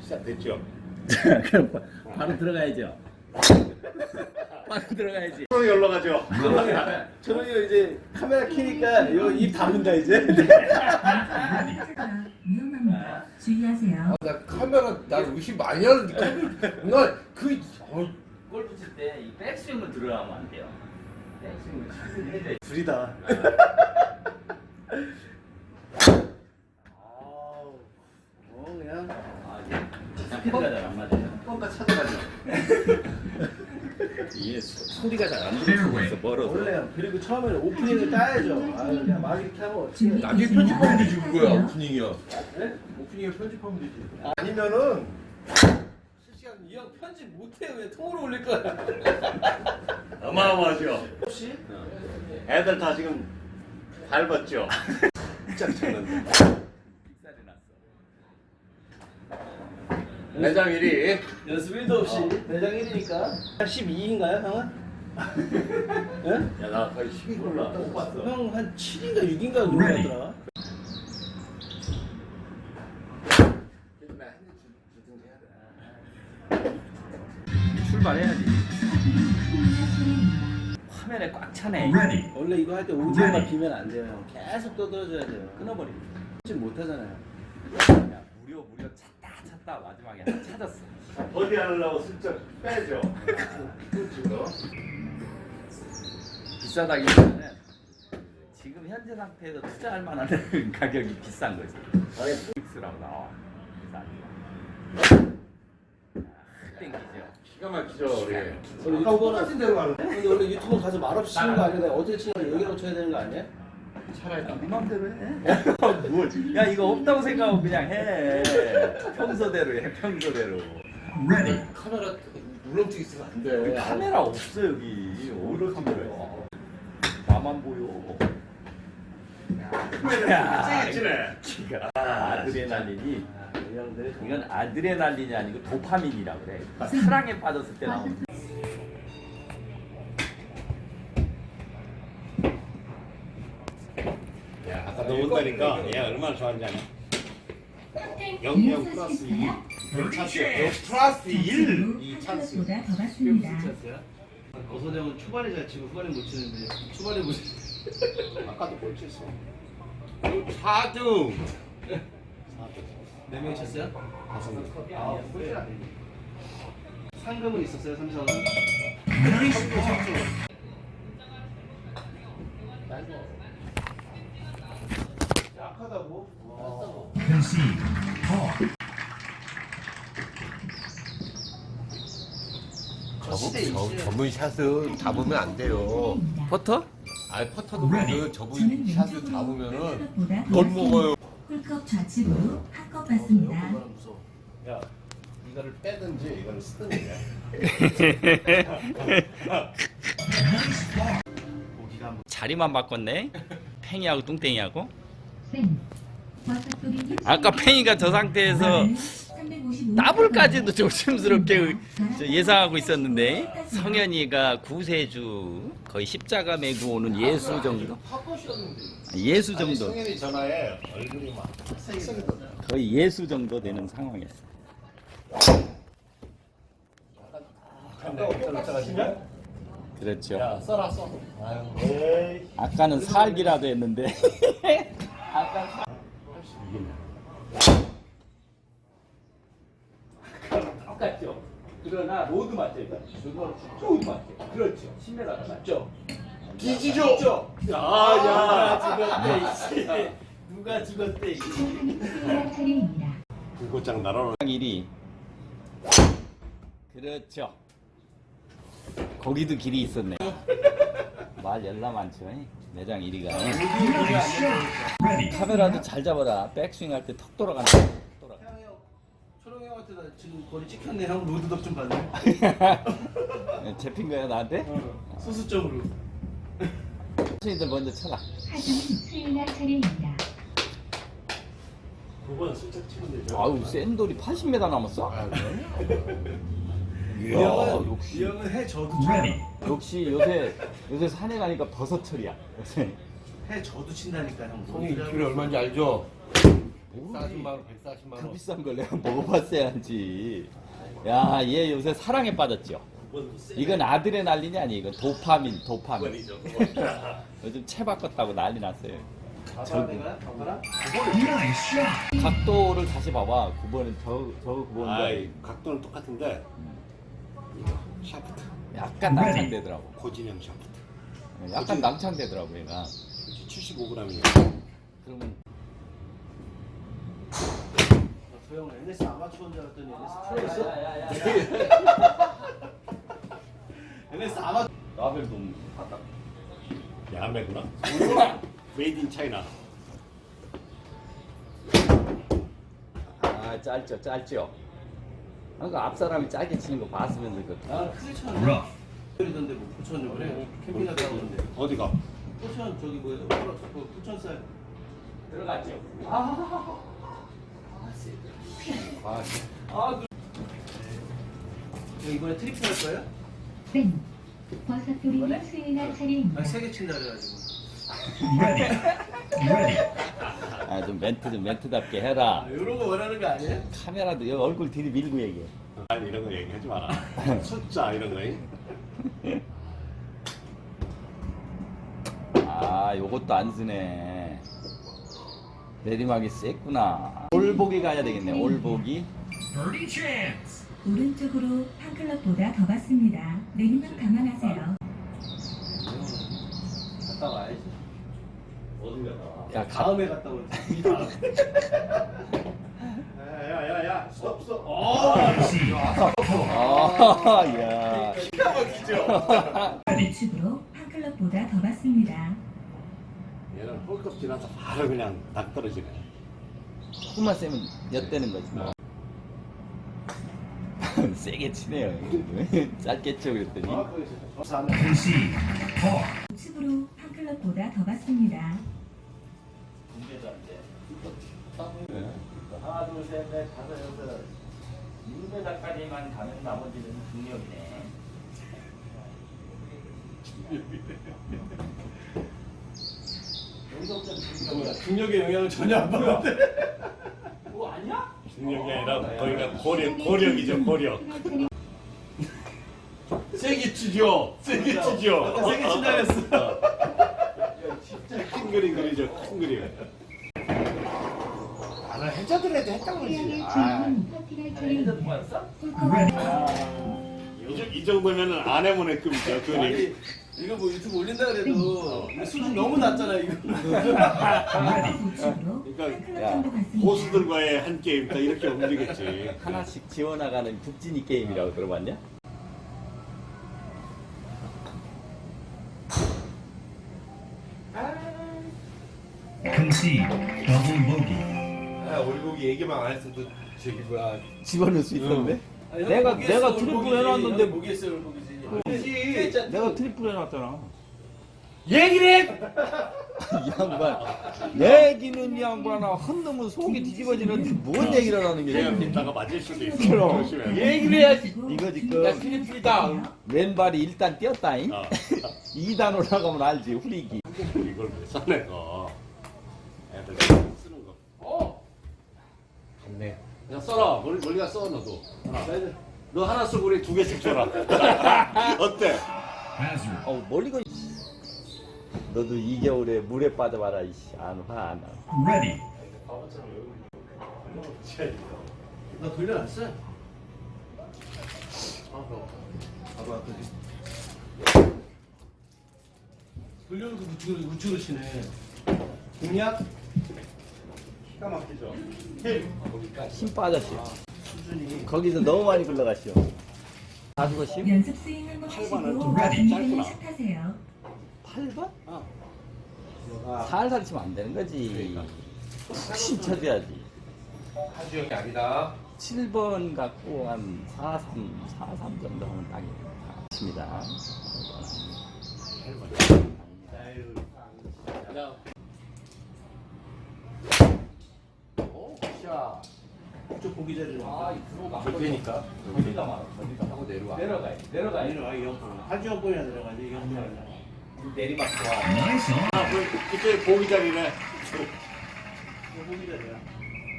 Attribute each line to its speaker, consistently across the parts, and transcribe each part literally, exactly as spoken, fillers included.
Speaker 1: 자, 됐죠?
Speaker 2: 그럼 바- 바로 들어가야죠. 바로 들어가야지.
Speaker 1: 천원이 올라가죠?
Speaker 3: 저런이가 이제 카메라 켜니까 이거 입 다문다 이제.
Speaker 4: 위험합니다. 주의하세요.
Speaker 1: 나 카메라 나 의심 많이 하는데 나그 어,
Speaker 2: 골프 칠 때 이 백스윙을 들어가면 안 돼요. 백스윙을 잘 해야 돼.
Speaker 3: 불이다. 아우, 어 그냥
Speaker 2: 아, 이게 스피드가 잘 안 맞아요.
Speaker 1: 뭔가 찾아가죠.
Speaker 2: 이게 소, 소리가 잘 안 들어서 멀어서.
Speaker 3: 원래 그리고 처음에는 오프닝을 따야죠. 아 그냥 막 이렇게 하면 어떻게?
Speaker 4: 준비.
Speaker 1: 나중에 편집하면 되지 그거야 오프닝이야.
Speaker 3: 네? 오프닝을 편집하면 되지.
Speaker 1: 아니면은
Speaker 3: 실시간 이 형 편집 못해 왜 통으로 올릴 거야?
Speaker 1: 어마어마하죠.
Speaker 3: 혹시?
Speaker 1: 애들 다 지금 밟았죠. 짝 쳤는데.
Speaker 2: 빅살이 났어.
Speaker 1: 매장 일 위.
Speaker 3: 연습 일도 없이 대장 일이니까 한 십이인가요 형은? 응?
Speaker 1: 야 나 거의 십이 골라. 못 봤어.
Speaker 3: 형 한 칠인가 육인가 그런 거 같더라.
Speaker 2: 출발해야지. 화면에 꽉 차네.
Speaker 3: 원래 이거 할 때 오디오만 비면 안 돼요 형. 계속 떠들어줘야 돼요. 끊어버리고 지금 못 하잖아요.
Speaker 2: 야, 무려 무려 찾다 찾다 마지막에 하나 찾았어.
Speaker 1: 어디 하려고 슬쩍 빼죠. 그렇죠.
Speaker 2: 비싸다기보다는 지금 현재 상태에서 투자할 만한 가격이 비싼 거지.
Speaker 1: 아니
Speaker 2: 픽스라고 나와. 비싸니까. 아, 땡기죠.
Speaker 1: 기가 막히죠 우리.
Speaker 3: 원래
Speaker 1: 아까 똑같은 데로 가는.
Speaker 3: 근데 원래 유튜브 가서 말없이 치는 거 아니야? 내가 어떻게 치는 거 얘기하고 쳐야 되는 거 아니야?
Speaker 1: 차라리
Speaker 2: 네 맘대로 해. 뭐지? 야 이거 없다고 생각하고 그냥 해. 평소대로 해. 평소대로.
Speaker 1: 카메라 울렁증 있으면 안 돼.
Speaker 2: 카메라 없어 여기. 어디 카메라야? 나만 보여.
Speaker 1: 카메라 찌네.
Speaker 2: 기가 아드레날린이 이건 아드레날린이 아니고 도파민이라고 그래. 사랑에 빠졌을 때 나오는.
Speaker 1: 야 아까 너 온다니까 얘 얼마나 좋아하는지 아냐? 영, 영 플러스 이. 찬스. 영 플러스 일. 이 찬스.
Speaker 4: 보다 더 받습니다.
Speaker 3: 어서정은 초반에 잘 치고 후반에 못 치는데 초반에 못 치.
Speaker 1: 아까도 꼴 쳤어. 사 등.
Speaker 3: 몇 명 쳤어요?
Speaker 1: 다섯 명.
Speaker 3: 아, 꼴찌라. 상금은 있었어요, 삼성은? 약하다고?
Speaker 1: 저분 전문 샷을 잡으면 안 돼요.
Speaker 2: 퍼터?
Speaker 1: 아 퍼터도 그 저분 샷을 잡으면은
Speaker 4: 보다
Speaker 1: 덜 먹어요.
Speaker 4: 홀컵 좌측으로 한컵 받습니다.
Speaker 1: 야 이거를 빼든지 이거를 쓰든지.
Speaker 2: 자리만 바꿨네. 팽이하고 뚱땡이하고.
Speaker 4: 땡. 와사토리
Speaker 2: 아까 팽이가 저 상태에서 더블까지도 조심스럽게 저 예상하고 있었는데 성현이가 구세주 거의 십자가 메고 오는 예수 정도? 예수 정도.
Speaker 1: 성현이 전화에 얼굴이 막 색색이더라고요.
Speaker 2: 거의 예수 정도 되는 상황이었어. 그렇죠.
Speaker 1: 야 써라 써. 아유. 에이.
Speaker 2: 아까는 살기라도 했는데. 똑같죠. 그러나 로드 맞죠, 이거. 로드 맞죠. 그렇죠. 십 미터가 맞죠.
Speaker 1: 뒤지죠.
Speaker 2: 아야 죽었대. 누가 죽었대.
Speaker 4: 차례입니다.
Speaker 1: 불꽃장 날아오는.
Speaker 2: 일 위. 그렇죠. 거기도 길이 있었네. 말 열나 많죠. 매장 일 위가. 카메라도 잘 잡아라. 백스윙 할 때 턱 돌아간다. 턱 돌아가.
Speaker 3: 초롱이 형한테 나 지금 거리 찍혔네. 형 로드덕 좀 받네.
Speaker 2: 잡힌 거야 나한테?
Speaker 3: 소수점으로.
Speaker 2: 선생님들 먼저 쳐라.
Speaker 4: 하중 수인아 차례입니다.
Speaker 1: 두 번 슬쩍 치면 되죠.
Speaker 2: 아유 센 돌이 팔십 미터 남았어?
Speaker 1: 아,
Speaker 3: 이
Speaker 2: 이야
Speaker 3: 형은, 이
Speaker 2: 역시
Speaker 3: 형은 해 저도 쳐.
Speaker 2: 역시 요새 요새 산에 가니까 버섯철이야 요새.
Speaker 3: 해 저도 친다니까 형.
Speaker 1: 성이 이 킬로그램 얼마인지 알죠? 백사십만 원, 백사십만
Speaker 2: 그
Speaker 1: 원.
Speaker 2: 비싼 걸 내가 먹어봤어야지. 야, 얘 요새 사랑에 빠졌죠. 이건 아드레날린이 아니, 이건 도파민, 도파민.
Speaker 1: 이죠.
Speaker 2: 요즘 채 바꿨다고 난리 났어요.
Speaker 3: 봐봐 내가 봐봐라.
Speaker 2: 각도를 다시 봐봐. 구 번은 저, 저 구 번과
Speaker 1: 아이, 각도는 똑같은데 이거 샤프트,
Speaker 2: 약간 낭창되더라고.
Speaker 1: 고진형 샤프트.
Speaker 2: 약간 낭창되더라고, 얘가.
Speaker 1: 칠십오 그램이에요.
Speaker 2: 그러면
Speaker 3: 소영 엔에스 아마추어인 줄 알았더니 엔에스 프로였어? 엔에스 아마.
Speaker 2: 라벨도 봤다.
Speaker 1: 야매구나. 메이드 인 차이나.
Speaker 2: 아, 짧죠, 짧죠. 그러니까 앞 사람이 짧게 치는 거 봤으면 그.
Speaker 3: 나는 크게 쳤는데. 그러던데 뭐 부천 요번에 캠핑 갔다 오는데.
Speaker 1: 어디가?
Speaker 3: 부천 저기 뭐야? 그 부천살.
Speaker 2: 들어갔죠.
Speaker 3: 아,
Speaker 2: 아,
Speaker 3: 아, 그. 이번에 트리플 할 거예요?
Speaker 4: 땡. 버섯 뿌리님 수요일날 차례입니다.
Speaker 3: 아, 세 개 친다 그래가지고.
Speaker 2: 아, 좀 멘트 좀 멘트답게 해라.
Speaker 3: 아, 이런 거 원하는 거 아니에요?
Speaker 2: 카메라도 여기 얼굴 들이밀고 얘기해.
Speaker 1: 아니 이런 거 얘기하지 마라. 숫자 이런 거.
Speaker 2: 아, 요것도 안 쓰네. 내리막이 셌구나. 올보기 가야 되겠네. 올보기.
Speaker 4: 오른쪽으로 한 클럽보다 더 받습니다. 내리막 감안하세요.
Speaker 3: 갔다 와야지.
Speaker 1: 어디 갔다 와?
Speaker 2: 야, 가.
Speaker 3: 다음에 갔다 오지.
Speaker 1: 야야야야, 스톱 스톱.
Speaker 3: 어,
Speaker 2: 아, 야.
Speaker 4: 우측으로 한 클럽보다 더 받습니다.
Speaker 1: 얘는 홀컵 지나서 바로 그냥 낙 떨어지네.
Speaker 2: 조금만 세면 엿대는 거지 뭐. 세게 치네요. 짧게 쳐 그랬더니.
Speaker 4: 우측으로 한 클럽보다 더 받습니다.
Speaker 2: 하나, 둘, 셋, 넷, 다섯, 여섯. 육 미터까지만 가면 나머지는 중력이네.
Speaker 3: 중력의 영향을 전혀 안 받는데.
Speaker 2: 뭐 아니야?
Speaker 1: 중력이 아니라 거기가 고력, 고력이죠 고력. 세게 치죠. 세게 치죠.
Speaker 3: 아까 세게 친다 그랬어.
Speaker 1: 진짜 큰 그림 그리죠. 큰 그림. 나는 해자들한테 했다고 그러지. 아,
Speaker 4: 파티갈 차례입니다.
Speaker 2: 뭐였어?
Speaker 1: 이, 정- 이 정도면은 아내모네 급이죠. 그림.
Speaker 3: 아니, 이거 뭐 유튜브 올린다 그래도 이거 수준 너무 낮잖아 이거.
Speaker 4: 우측으로 한
Speaker 1: 그러니까
Speaker 4: 클럽
Speaker 2: 야,
Speaker 4: 정도 받습니다.
Speaker 1: 고수들과의 한 게임 다 이렇게 움직였지.
Speaker 2: 하나씩 지워나가는 국진이 게임이라고 들어봤냐?
Speaker 5: Concede double bogey.
Speaker 6: 아, 올고기 얘기만 안 했어도 저기 뭐야
Speaker 2: 집어넣을 수 있었는데?
Speaker 3: 아니,
Speaker 2: 내가-
Speaker 3: 모기에서
Speaker 2: 내가
Speaker 3: 올보기지.
Speaker 2: 트리플 해놨는데
Speaker 3: 형이 모기에서 올보기지.
Speaker 2: 그렇지. 내가 트리플 해놨잖아.
Speaker 1: 얘기를 해.
Speaker 2: 이 양반. 얘기는 이 양반아 한 놈은 속이 뒤집어지는데 뭔 얘기를 하는
Speaker 1: 제가
Speaker 2: 게
Speaker 1: 믿다가 맞을 수도 있어.
Speaker 2: 그럼.
Speaker 1: 조심해.
Speaker 2: 얘기를 해야지. 이거 지금
Speaker 4: 트리플이다.
Speaker 2: 왼발이 일단 뛰었다잉.
Speaker 1: 어.
Speaker 2: 이 단 올라가면 알지 후리기.
Speaker 1: 이걸 왜 써내 거? 애들 쓰는 거.
Speaker 3: 어.
Speaker 1: 좋네. 그냥 써라. 멀리 멀리가 써 너도. 하나. 너 하나 쓰고 우리 두 개씩 줘라. 어때?
Speaker 5: Hazard.
Speaker 2: 어 멀리가. 너도 이 겨울에 물에 빠져봐라 이씨. 안 화 안 나.
Speaker 5: Ready.
Speaker 3: 나 돌려놨어. 아, 그럼. 봐봐, 그지. 돌려놓고 우측으로 우측으로 치네. 공략
Speaker 1: 기가 막히죠.
Speaker 2: 힘 빠졌어.
Speaker 3: 수준이.
Speaker 2: 거기서 너무 많이 굴러갔어. 다 죽었어?
Speaker 4: 연습 스윙 한번
Speaker 1: 팔 번은
Speaker 4: 하시고
Speaker 1: 좀
Speaker 4: 준비되면
Speaker 1: 짧구나.
Speaker 4: 샷하세요.
Speaker 2: 팔 번?
Speaker 1: 어.
Speaker 2: 살살 치면 안 되는 거지. 푹신 쳐줘야지.
Speaker 6: 한주영이 아니다.
Speaker 2: 칠 번 갖고 한 사 삼, 사 삼 정도 하면 딱입니다.
Speaker 3: 아유.
Speaker 1: 자. 오, 샷.
Speaker 3: 쪽 보기 자리로. 아,
Speaker 1: 되니까.
Speaker 2: 거기가 말아. 거기가
Speaker 6: 하고 내려와.
Speaker 2: 내려가. 내려가.
Speaker 3: 내려와 이 형. 한주영 번이나 들어가지 이 형님.
Speaker 2: 내리막 좋아.
Speaker 5: Nice on.
Speaker 1: 아, 그 이때 보기 자리네.
Speaker 3: 이거 보기 자리야.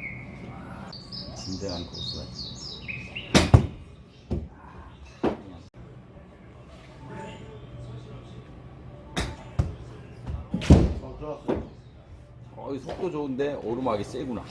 Speaker 2: 진정한 고수가.
Speaker 6: 어, 들어왔어.
Speaker 2: 어이 속도 좋은데 오르막이 세구나.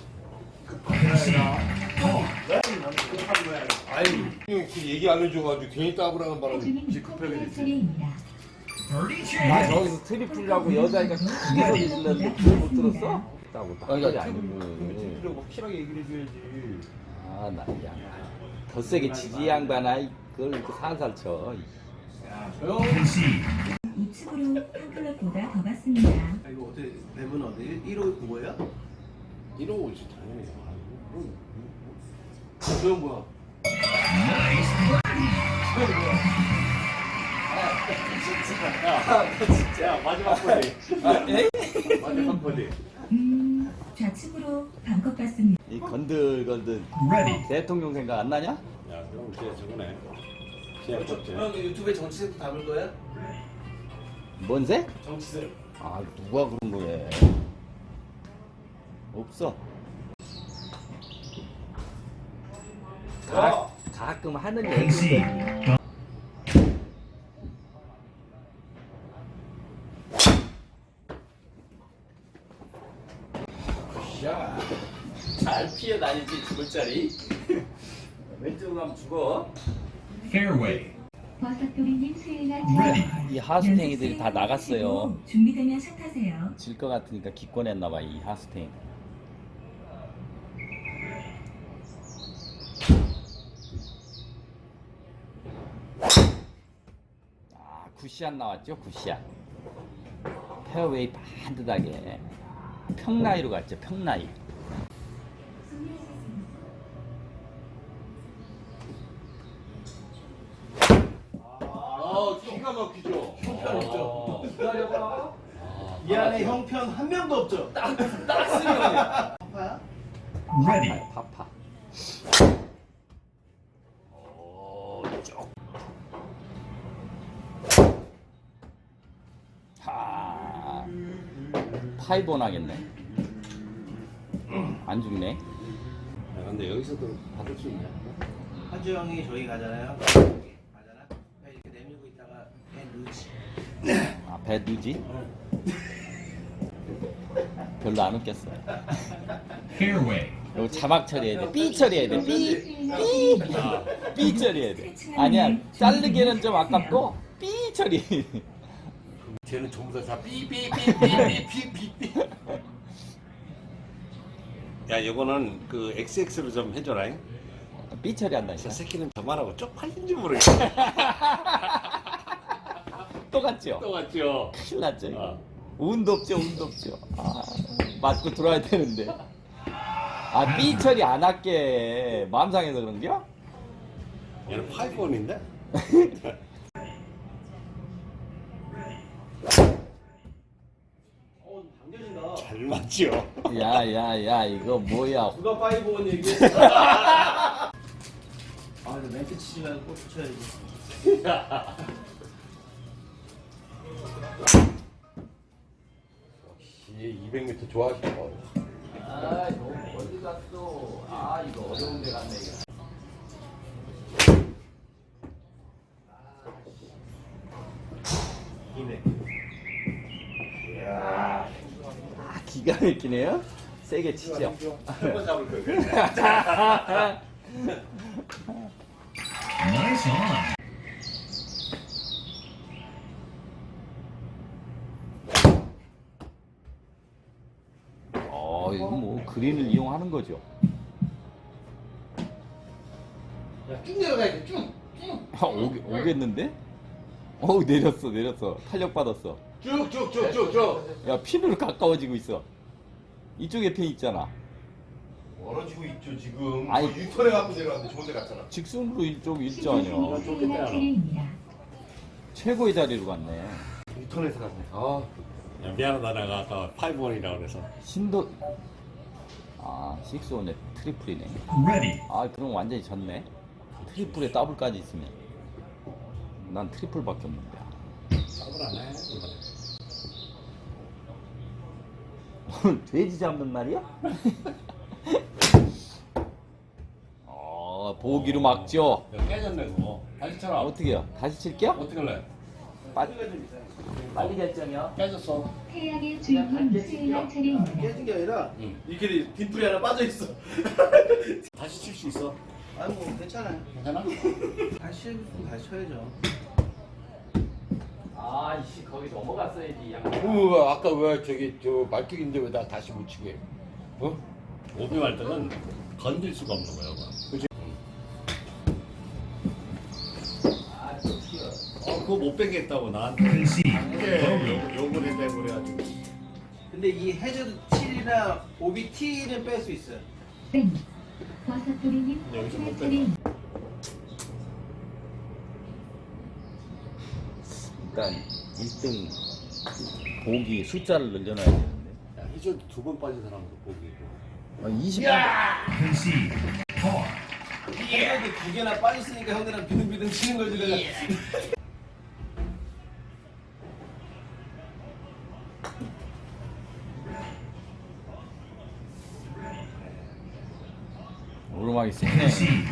Speaker 6: 아이, 형그 얘기 안 해줘가지고 괜히 따블하는 바람에
Speaker 4: 하주민
Speaker 6: 지금 급하게 됐지.
Speaker 4: 차례입니다.
Speaker 2: 나 저기서 트리플이라고 여자애가 크게 소리 질렀는데 그걸 못 들었어? 따고 딱
Speaker 6: 아니,
Speaker 2: 소리
Speaker 6: 나
Speaker 2: 아니고.
Speaker 6: 트리플이라고 확실하게 얘기를 해줘야지.
Speaker 2: 아, 나 야. 더 세게 치지 양반아. 그걸 이렇게 살살 쳐.
Speaker 5: Concede.
Speaker 4: 우측으로 한 클럽보다 더 갔습니다.
Speaker 3: 아, 이거 어떻게 맵은 어디? 일 호 그거야?
Speaker 1: 이러고 오지 당연히.
Speaker 3: 조용 뭐야?
Speaker 1: 야 마지막 버디.
Speaker 2: 에?
Speaker 1: 마지막 버디.
Speaker 4: 음, 좌측으로 반컵 갔습니다.
Speaker 2: 이 건들건들
Speaker 5: Ready.
Speaker 2: 대통령 생각 안 나냐?
Speaker 1: 야 그럼 진짜 저거네. 그냥 쳤지.
Speaker 3: 형 유튜브에 정치색 담을 거야?
Speaker 2: 뭔 색?
Speaker 3: 정치색.
Speaker 2: 아 누가 그런 거야? 없어. 가, 가끔 하는 얘기인데.
Speaker 5: Concede.
Speaker 2: 잘 피해 다니지 죽을 자리. 왼쪽으로 가면 죽어.
Speaker 5: Fairway.
Speaker 4: 버섯돌이님 수요일날
Speaker 5: Ready.
Speaker 2: 이 하수탱이들이 다 나갔어요.
Speaker 4: 준비되면 샷하세요.
Speaker 2: 질 것 같으니까 기권했나봐 이 하수탱이. 아 굿샷 나왔죠 굿샷. 페어웨이 반듯하게 평라이로 갔죠 평라이.
Speaker 6: 아, 기가 막히죠.
Speaker 3: 형편 없죠?
Speaker 2: 기다려봐.
Speaker 3: 이 안에 형편 한 명도 없죠?
Speaker 2: 딱 쓰면
Speaker 3: 아파야?
Speaker 5: Ready.
Speaker 2: 파파. 오, 쪽. 하. 파이본 하겠네. 안 죽네.
Speaker 1: 야 근데 여기서도 받을 수 있냐?
Speaker 3: 하주 형이 저기 가잖아요. 가잖아. 이렇게 내밀고 있다가 배 누지.
Speaker 2: 아, 배 누지? 별로 안 웃겼어.
Speaker 5: Fairway.
Speaker 2: 이거 자막 처리해야 돼. 삐 처리해야 돼. 삐, 삐, 삐 처리해야 돼. 아니야, 자르기는 좀 아깝고 삐 처리.
Speaker 1: 쟤는 전부 다 삐삐삐삐삐삐삐삐. 야 이거는 그 엑스엑스로 좀 해줘라.
Speaker 2: 삐 처리한다.
Speaker 1: 저
Speaker 2: 이거.
Speaker 1: 새끼는 저만 하고 쪽팔린지 모르겠어.
Speaker 2: 똑같죠?
Speaker 1: 똑같죠.
Speaker 2: 큰일 났죠. 이거.
Speaker 1: 어.
Speaker 2: 운도 없죠, 운도 없죠. 아, 맞고 들어와야 되는데. 아, 삐 처리 안 할게. 마음 상해서 그런겨?
Speaker 1: 얘는 파이브원인데?
Speaker 3: 어, 당겨진다.
Speaker 1: 잘 맞죠.
Speaker 2: 야, 야, 야, 이거 뭐야.
Speaker 3: 누가 파이브원 얘기했어? 아, 근데 멘트 치지 말고 골프 쳐야지.
Speaker 6: 얘 이백 미터 좋아하시죠.
Speaker 2: 아, 너무 멀리 갔어. 아, 이거 어려운 데 갔네, 이거.
Speaker 3: 이백.
Speaker 2: 아, 기가 막히네요. 세게 치죠.
Speaker 1: 한번 잡을 거예요.
Speaker 5: Nice on.
Speaker 2: 어, 이거 뭐 그린을 이용하는 거죠.
Speaker 6: 야, 쭉 내려가야 돼, 쭉. 쭉.
Speaker 2: 아, 오겠, 오겠는데? 어우, 내렸어, 내렸어. 탄력 받았어.
Speaker 6: 쭉, 쭉, 쭉, 쭉, 쭉.
Speaker 2: 야, 핀으로 가까워지고 있어. 이쪽에 핀 있잖아.
Speaker 6: 멀어지고 있죠, 지금.
Speaker 2: 아니.
Speaker 6: 아니, 유턴해 갖고 내려왔는데 좋은 데 갔잖아.
Speaker 2: 직선으로 일쪽 일자 아니야.
Speaker 4: 수요일날 차례입니다.
Speaker 2: 최고의 자리로 갔네.
Speaker 6: 유턴해서 갔네. 아,
Speaker 1: 야, 미안하다 내가 아까 파이브원이라고 그래서.
Speaker 2: 신도 아 식스온에 트리플이네.
Speaker 5: Ready.
Speaker 2: 아 그럼 완전히 졌네. 트리플에 더블까지 있으면 난 트리플밖에 없는데.
Speaker 1: 더블 안 해. 이번에.
Speaker 2: 오늘 돼지 잡는 날이야? 보기로 막죠.
Speaker 1: 야, 깨졌네 그거. 다시 쳐라.
Speaker 2: 어떻게 해요? 다시 칠게요?
Speaker 1: 어떻게 할래?
Speaker 2: 빠...
Speaker 3: 빨리 결정이요.
Speaker 1: 깨졌어.
Speaker 4: 태양의 주인공 수행할 차례입니다.
Speaker 3: 깨진 게 아니라
Speaker 1: 응.
Speaker 3: 이렇게 뒷불이 하나 빠져 있어.
Speaker 1: 다시 칠 수 있어.
Speaker 3: 아니 뭐 괜찮아요.
Speaker 1: 괜찮아?
Speaker 3: 다시 해보고 다시 쳐야죠.
Speaker 2: 아이씨 거기 넘어갔어야지. 양.
Speaker 6: 어, 아까 왜 저기 저 말뚝인데 왜 나 다시 못 치게? 어?
Speaker 1: 오비 말때는 건들 수가 없는 거야. 그지? 어, 그거 못 빼겠다고 나한테.
Speaker 5: Concede.
Speaker 1: 예, 욕을 해대고 그래가지고.
Speaker 3: 근데 이 해저드 칠이나 오비 T는 뺄 수 있어요.
Speaker 4: 땡. 버섯돌이님
Speaker 1: 여기서 못
Speaker 4: 수행할
Speaker 1: 뺀다.
Speaker 4: 차례입니다.
Speaker 2: 일단 일 등 보기 숫자를 늘려놔야 되는데.
Speaker 1: 야, 해저드 두 번 빠진 사람도 보기.
Speaker 2: 아, 이십.
Speaker 5: Concede. Par.
Speaker 3: 해저드 두 개나 빠졌으니까 형들은 비등비등 치는 거지 내가.
Speaker 2: 오르막이 세네.
Speaker 5: Concede.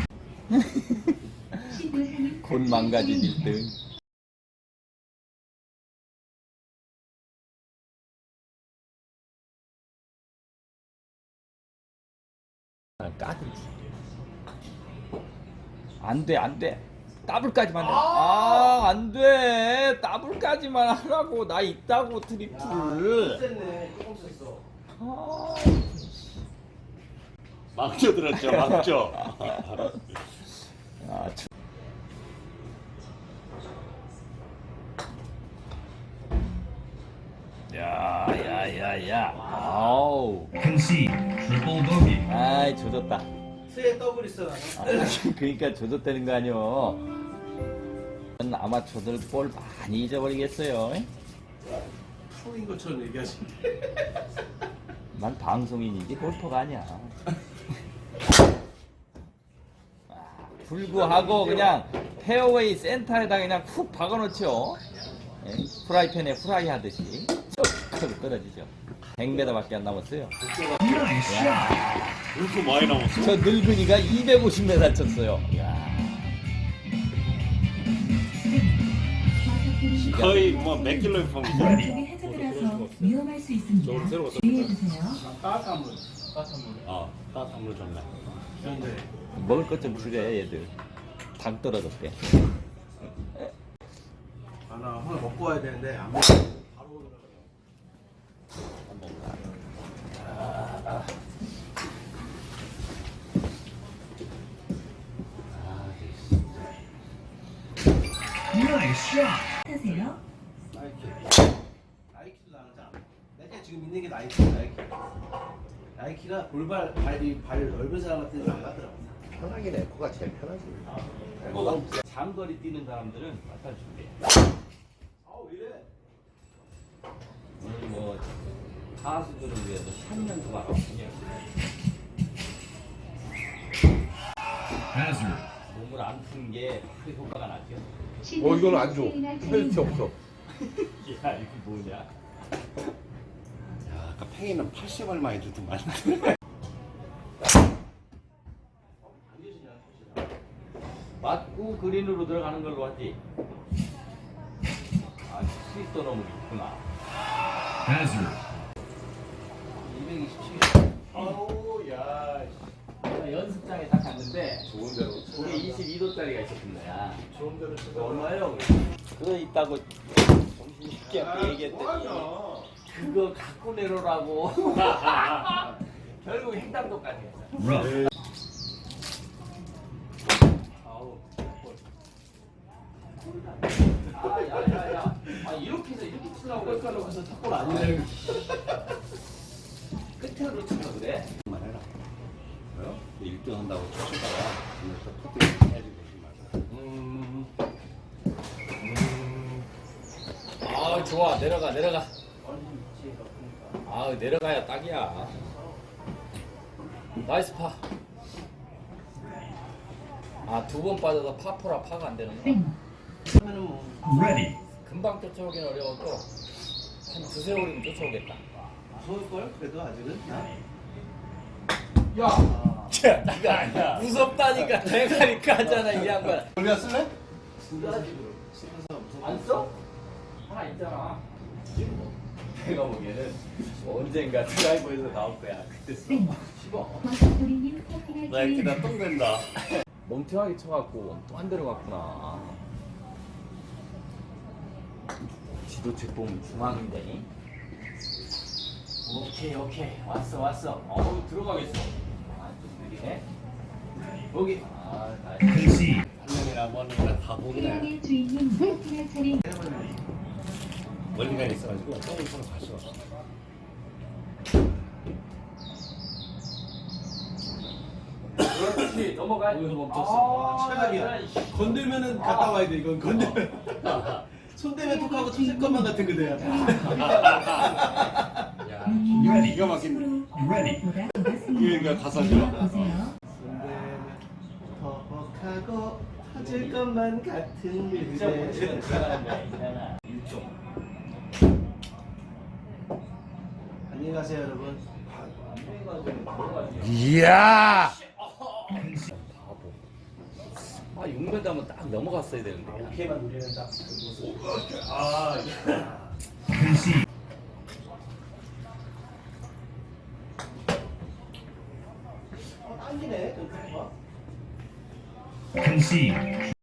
Speaker 4: 신도사님
Speaker 2: 곧 망가진 일 등. 아, 까든지. 안 돼, 안 돼. 더블까지만 해. 아, 안 돼. 더블까지만 하라고. 나 있다고 트리플.
Speaker 3: 셌네. 조금 셌어.
Speaker 2: 아,
Speaker 1: 망쳐 들었죠, 망쳐.
Speaker 2: 아, 참. 야, 야, 야, 야. 아우.
Speaker 5: Concede. Triple bogey.
Speaker 2: 아이, 조졌다.
Speaker 3: 스에 더블 있어 나는.
Speaker 2: 아, 그러니까 조졌다는 거 아니오. 아마추어들 볼 많이 잊어버리겠어요.
Speaker 3: 프로인 것처럼 얘기하시네.
Speaker 2: 난 방송인이지 골퍼가 아니야. 아, 불구하고 그냥 페어웨이 센터에다 그냥 훅 박아놓죠. 예? 프라이팬에 프라이 하듯이 쭉 하고 떨어지죠. 백 미터밖에 안 남았어요.
Speaker 5: Nice shot.
Speaker 1: 왜 이렇게 많이 남았어?
Speaker 2: 저 늙은이가 이백오십 미터 쳤어요. 야.
Speaker 4: 버섯돌이님
Speaker 1: 거의 뭐 몇 킬로의 폼이죠?
Speaker 4: 왼쪽에 해저드라서 위험할 수 있습니다. 주의해주세요.
Speaker 3: 따뜻한 물. 따뜻한 물.
Speaker 1: 어, 따뜻한 물 좋네.
Speaker 3: 그런데
Speaker 2: 먹을 것 좀 줄여 얘들. 당 떨어졌대.
Speaker 3: 아나 오늘 먹고 와야 되는데 안 먹어. 바로 오더라고요.
Speaker 5: Nice shot.
Speaker 4: 하세요.
Speaker 3: 나이키. 나이키도 나오지 않아. 내가 지금 있는 게 나이키. 나이키. 나이키가 골발 발이 발 넓은 사람한테는 안 맞더라고.
Speaker 6: 편하긴 해. 코가 제일 편하지.
Speaker 2: 뭐 장거리 뛰는 사람들은 갖다 준대.
Speaker 3: 아왜 이래?
Speaker 2: 오늘 뭐 가수들을 위해서 샷 연습하라고 그냥
Speaker 5: Hazard.
Speaker 2: 몸을 안 푸는 게 크게 효과가 나죠.
Speaker 6: 어 이건 안 줘. 헬스 없어.
Speaker 2: 야 이게 뭐냐?
Speaker 1: 야, 아까 팽이는 팔십 얼마 해주더만.
Speaker 2: 맞고 그린으로 들어가는 걸로 하지. 아 스위터 너무 있구나.
Speaker 5: Hazard.
Speaker 3: 이백이십칠. 아우 야.
Speaker 2: 내가 연습장에 딱 갔는데
Speaker 6: 좋은 대로.
Speaker 2: 거기 이십이 도짜리가 있었던 거야.
Speaker 3: 좋은 대로 치고.
Speaker 2: 얼마예요? 그거 있다고 정신있게 얘기했더니
Speaker 3: 뭐하냐?
Speaker 2: 그거 갖고 내려라고. 결국 횡단도까지 했어.
Speaker 5: Rough.
Speaker 2: 아우. 아, 야, 야, 야. 아, 이렇게 해서 이렇게 치려고
Speaker 3: 골가루 가서 탁골 아니네.
Speaker 2: 끝으로 치려 그래.
Speaker 1: 말 해라. 왜요? 일 등 한다고 쫓다가 오늘 또 토끼 해야지 되지 말고.
Speaker 3: 음.
Speaker 2: 아, 좋아. 내려가, 내려가.
Speaker 3: 아니 위치가 그러니까.
Speaker 2: 아, 내려가야 딱이야. 나이스 파. 아, 두 번 빠져서 파포라 파가 안 되는 거야.
Speaker 4: 땡.
Speaker 3: 그러면은 뭐
Speaker 5: Ready.
Speaker 2: 금방 쫓아오긴 어려워도 한 두세 올이면 쫓아오겠다.
Speaker 3: 무서울 걸 그래도 아직은.
Speaker 2: 야! 자, 니가 무섭다니까 대가리 까잖아 이 양반.
Speaker 1: 우리가 쓸래?
Speaker 2: 안 써? 하나 있잖아. 내가 보기에는 언젠가 드라이버에서 나올 거야. 그때 써. 씹어.
Speaker 4: 버섯돌이님 커피가
Speaker 1: 나이키가 똥 된다.
Speaker 2: 멍청하게 쳐갖고 또 한 대로 갔구나. 지도책 보면 중앙인데. 오케이 오케이 왔어 왔어. 어우 들어가겠어. 아좀 느리네. 여기. 아 나이스.
Speaker 5: Concede.
Speaker 1: 한명이나 뭐는 다 보네.
Speaker 4: 태양의 주인님 커피가 차린
Speaker 1: 멀리가 있어가지고 똥을 서로 갈 수가 없어.
Speaker 2: 그렇지 넘어가.
Speaker 3: 여기서 멈췄어. 최악이야. 건들면은 갔다 와야 돼. 이건 건들면. 손 대면 톡하고 터질 것만 같은 그대야.
Speaker 1: 야,
Speaker 5: Ready.
Speaker 1: 기가 막힌.
Speaker 5: Ready.
Speaker 4: 보다 더 같습니다.
Speaker 1: 그러니까 가사죠.
Speaker 4: 보세요.
Speaker 3: 손 대면 톡하고 터질 것만 같은
Speaker 2: 진짜 못 치면
Speaker 3: 그대.
Speaker 2: 들어가는 거야 이잖아. 일종.
Speaker 3: 안녕히 가세요 여러분.
Speaker 1: 이야.
Speaker 2: 바보. 아 육 미터 하면 딱 넘어갔어야 되는데.
Speaker 3: 오케이만 누리는 딱 모습.
Speaker 1: 아,
Speaker 5: Concede.
Speaker 3: 어, 당기네. 좀 봐.
Speaker 5: Concede.